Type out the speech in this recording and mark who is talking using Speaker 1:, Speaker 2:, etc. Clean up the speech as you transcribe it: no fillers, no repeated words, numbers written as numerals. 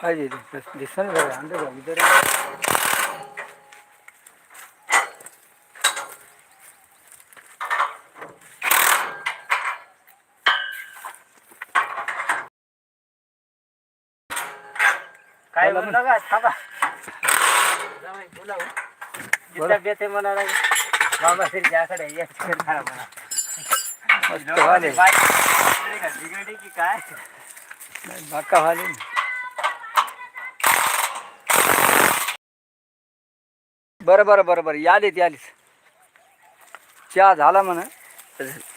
Speaker 1: पाहिजे दिसन अंदर इधर
Speaker 2: काय म्हणलं का थांबा जाऊ बोलावं जिथं बेते म्हणाला बाबा सिरच्याकडे यायचं म्हणा
Speaker 1: मस्त वाले
Speaker 2: बिघडली की काय
Speaker 1: बाका वाले बरं बरं बरं बरं यालीत यालीत चहा झाला म्हणा